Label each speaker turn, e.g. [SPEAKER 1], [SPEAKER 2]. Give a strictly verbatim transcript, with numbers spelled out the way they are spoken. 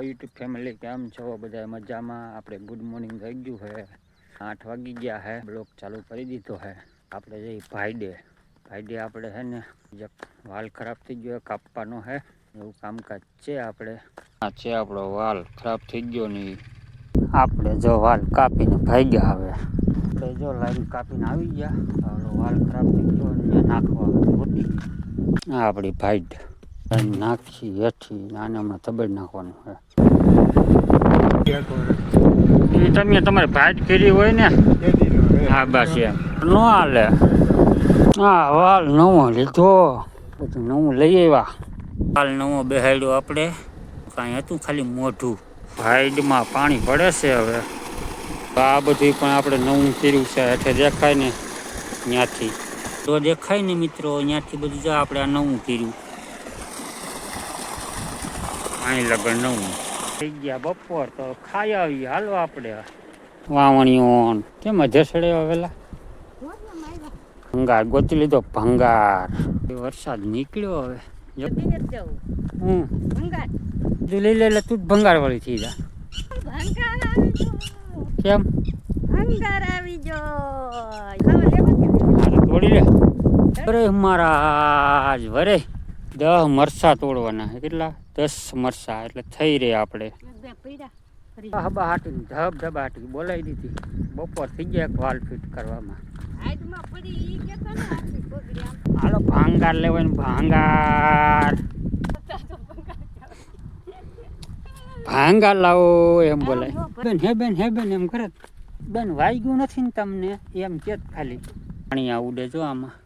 [SPEAKER 1] YouTube family, કેમ છો બધા? મજામાં? આપણે ગુડ મોર્નિંગ થઈ ગયું છે, આઠ વાગી ગયા છે, બ્લોગ ચાલુ કરી દીધો છે. આપણે જઈ ભાઈડે ભાઈડે આપણે છે ને વાલ ખરાબ થઈ ગયો કાપવાનો છે, એવું કામકાજ છે. આપણે આ છે આપણો વાલ ખરાબ થઈ ગયો ને આપણે જો વાલ કાપીને ભાગ્યા. હવે આપણે જો લાઈન કાપીને આવી ગયા, વાલ ખરાબ થઈ ગયો ને નાખવા મોટી આ આપણી ભાઈડ નાખી હેઠી આને હમણાં તબેડ નાખવાનું છે. તમે તમારે ભાઈટ કરી હોય ને, હા બસ એમ ન હાલે. હા વાલ નવો લીધો, બધું નવું લઈ આવ્યા. વાલ નવો બેહાડ્યો આપણે, કાંઈ હતું ખાલી મોઢું. ભાઈડમાં પાણી પડે છે. હવે આ બધું પણ આપણે નવું કર્યું છે. હેઠે દેખાય ને ત્યાંથી તો દેખાય ને મિત્રો, ત્યાંથી બધું જો આપણે આ નવું કર્યું. અહીં લગન નવું થઈ ગયા બપોર, તો ખાઈ આવી. હાલો આપણે વાવણીઓ કેમ જસડે વેલા ભંગાર ગોતી લીધો. ભંગાર વરસાદ નીકળ્યો. હવે હું તું લઈ લે એટલે તું જ ભંગાર વાળી થઈ જા. કેમ
[SPEAKER 2] ભંગાર આવી જો
[SPEAKER 1] તોડી લે. અરે મહારાજ વરે દસ મરસા તોડવાના છે. કેટલા? દસ મરસા એટલે થઈ રહે. આપણે હબા હાટી ધબ ધબ હાટી બોલાવી દીધી. બપોર થઈ ગયા એક વાલ ફિટ કરવામાં. હાલો ભાંગાર લેવાય ને ભાંગાર ભાંગાર લાવો એમ બોલાય. બેન હે બેન હે બેન એમ કરે બેન. વાગ્યું નથી ને તમને એમ કે ખાલી પાણી આ ઉડે જો આમાં.